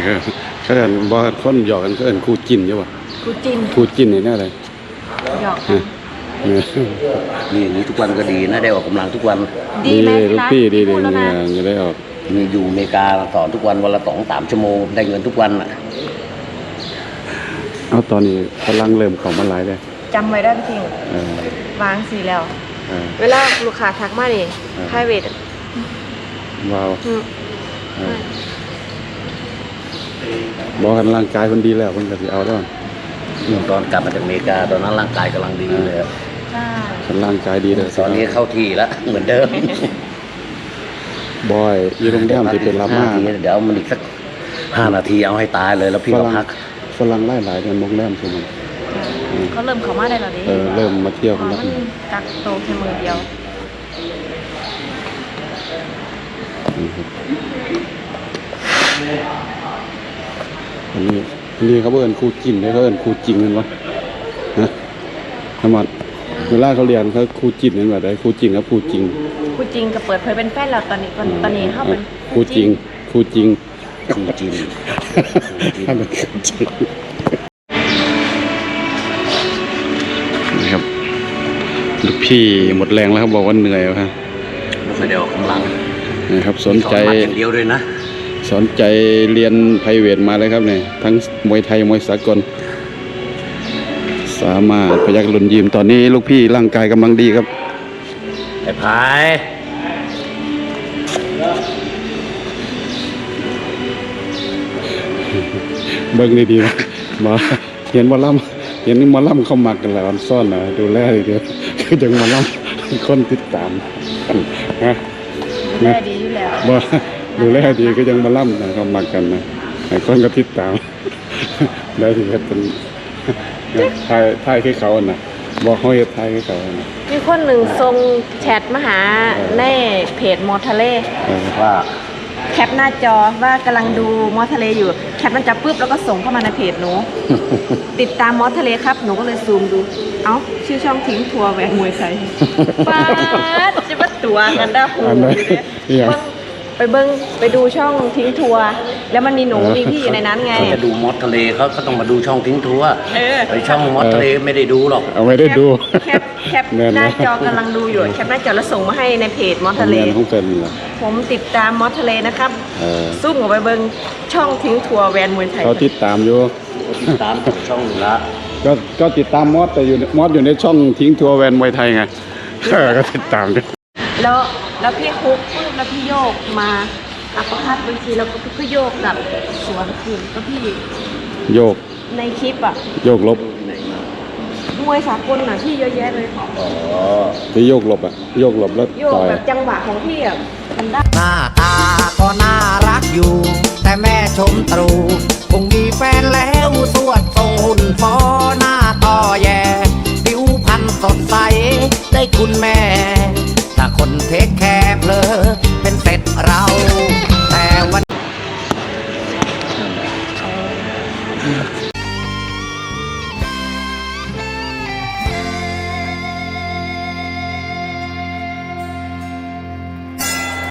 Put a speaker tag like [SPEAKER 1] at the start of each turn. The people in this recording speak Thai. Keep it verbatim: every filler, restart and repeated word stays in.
[SPEAKER 1] เขาเอิ้นบ่คนหยอกกันเขาเอิ้นคู่จิ้นใช่ป่ะ
[SPEAKER 2] คู่จิ้น
[SPEAKER 1] คู่จิ้นนี่แน่เลย
[SPEAKER 2] หยอกกัน
[SPEAKER 3] นี่อย่างนี้ทุกวันก็ดีนะได้ออกกำลังทุกวัน
[SPEAKER 2] ดีไหม
[SPEAKER 1] ลูกพี่ดีดีเนี่ยจะได้ออก
[SPEAKER 3] มีอยู่อเมริกาสอนทุกวันวันละสองสามชั่วโมงได้เงินทุกวันอ่ะ
[SPEAKER 1] เอาตอนนี้กำลังเริ่มของมันหลายเลย
[SPEAKER 2] จำไว้ได้พี่ทิงวางสีแล้วเวลาลูกค้าทักมานี่ไพรเวท
[SPEAKER 1] ว้าวบอกกันร่างกายคนดีแล้วคนก็สิเอาแล้ว
[SPEAKER 3] ตอนกลับมาจากอเมริกาตอนนั้นร่างกายกำลังดีเลย
[SPEAKER 1] คนร่างกายดีเลย
[SPEAKER 3] ตอนนี้เข้าที่แล้วเหมือนเดิม
[SPEAKER 1] บอยยี่โรงแรมที่เป็นลาม่า
[SPEAKER 3] เดี๋ยวมันอีกสักห้านาทีเอาให้ตายเลยแล้วพี่ก็พัก
[SPEAKER 1] ฝรั่งไล่หลายกันโรงแรมใช่ไหม
[SPEAKER 2] เขาเริ่มเข้ามาได้แล้วดิ
[SPEAKER 1] เออเริ่มมาเที่ยวกันแล้ว
[SPEAKER 2] กักโตแค่มือเดียว
[SPEAKER 1] อันนี้อันนี้เขาเอิ้นคู่จิ้นได้เขาเอิ้นคู่จริงกันวะฮะทำไมเวลาเขาเรียนเขาคู่จิ้นกันแบบไหนคู่จริงกับคู่จริง
[SPEAKER 2] คู่จริงกับเปิดเผยเป็นแฟนเราตอนนี้ตอนนี้เขาเป็น
[SPEAKER 1] คู่จริงคู่จริง
[SPEAKER 3] คู่จริง
[SPEAKER 1] ถ้าเป็นคู่จริงนี่ครับลูกพี่หมดแรงแล้วเขาบอกว่าเหนื่อยครับ
[SPEAKER 3] ไม่ได้ออกกำลัง
[SPEAKER 1] นี่ครับสนใจ
[SPEAKER 3] อย่างเดียวด้วยนะ
[SPEAKER 1] สนใจเรียนไพรเวทมาเลยครับเนี่ยทั้งมวยไทยมวยสากลสามารถพยักลุนยิมตอนนี้ลูกพี่ร่างกายกำลังดีครับ
[SPEAKER 3] ไอ้พาย
[SPEAKER 1] เบิ้งดีๆนะมาเห็นมาล่ำเห็นมาล่ำเข้ามากันแล้วซ่อนนะดูแลดีเดียวคือจังมาล่ำคนติดตามฮะ
[SPEAKER 2] ดูแลดีอยู่แล้ว
[SPEAKER 1] บ่ดูแลดีก็ยังมาล่ำนะเข้ามากันนะไอ้คนก็ติดตามได้ที่เขาเป็นทายทายให้เขาอ่ะนะบอกเขาจะทายให้เขาอ่ะนะ
[SPEAKER 2] มีคนหนึ่งส่งแชทมาหาในเพจมอทะเล
[SPEAKER 3] ว่า
[SPEAKER 2] แคปหน้าจอว่ากำลังดูมอทะเลอยู่แคปหน้าจอปุ๊บแล้วก็ส่งเข้ามาในเพจหนู ติดตามมอทะเลครับหนูก็เลยซูมดูเอ้าชื่อช่องทิ้งทัวร์แหวนมวยไทยป้าจะมาตัวกันได้โหไปเบิ้งไปดูช่องทิ้งทัวร์แล้วมันมีหนูมีพี่อยู่ในนั้นไง
[SPEAKER 3] เขาจะดูมอสทะเลเขาก็ต้องมาดูช่องทิ้งทัวร์ไอช่องมอสทะเลไม่ได้ดูหรอก
[SPEAKER 1] เอาไม่ได้ดู
[SPEAKER 2] แคปแคปหน้าจอกำลังดูอยู่แคปหน้าจอแล้วส่งมาให้ในเพจมอสทะเลผมติดตามมอสทะเลนะครับซุ่มออกไปเบิ้งช่องทิ้งทัวร์แวนมวยไทย
[SPEAKER 1] เขาติดตามอยู่
[SPEAKER 3] ติดตามช่องละ
[SPEAKER 1] ก็ก็ติดตามมอสแต่อยู่มอสอยู่ในช่องทิ้งทัวร์แวนมวยไทยไงก็ติดตามด้วย
[SPEAKER 2] แล้วแล้วพี่คุกปุ๊บแล้วพี่โยกมาอัปคัดบางทีแล้วก็พี่โยกกับสวนคืนก็พี่
[SPEAKER 1] โยก
[SPEAKER 2] ในคลิปอ่ะ
[SPEAKER 1] โยกลบ
[SPEAKER 2] มวยสากลน่ะพี่เยอะแยะเลย
[SPEAKER 3] อ๋อ
[SPEAKER 1] ที่โยกลบอ่ะโยกลบแล้ว
[SPEAKER 2] โยกแบบจังหวะของพี่อ่ะมันได้
[SPEAKER 4] หน้าตาก็น่ารักอยู่แต่แม่ชมตรู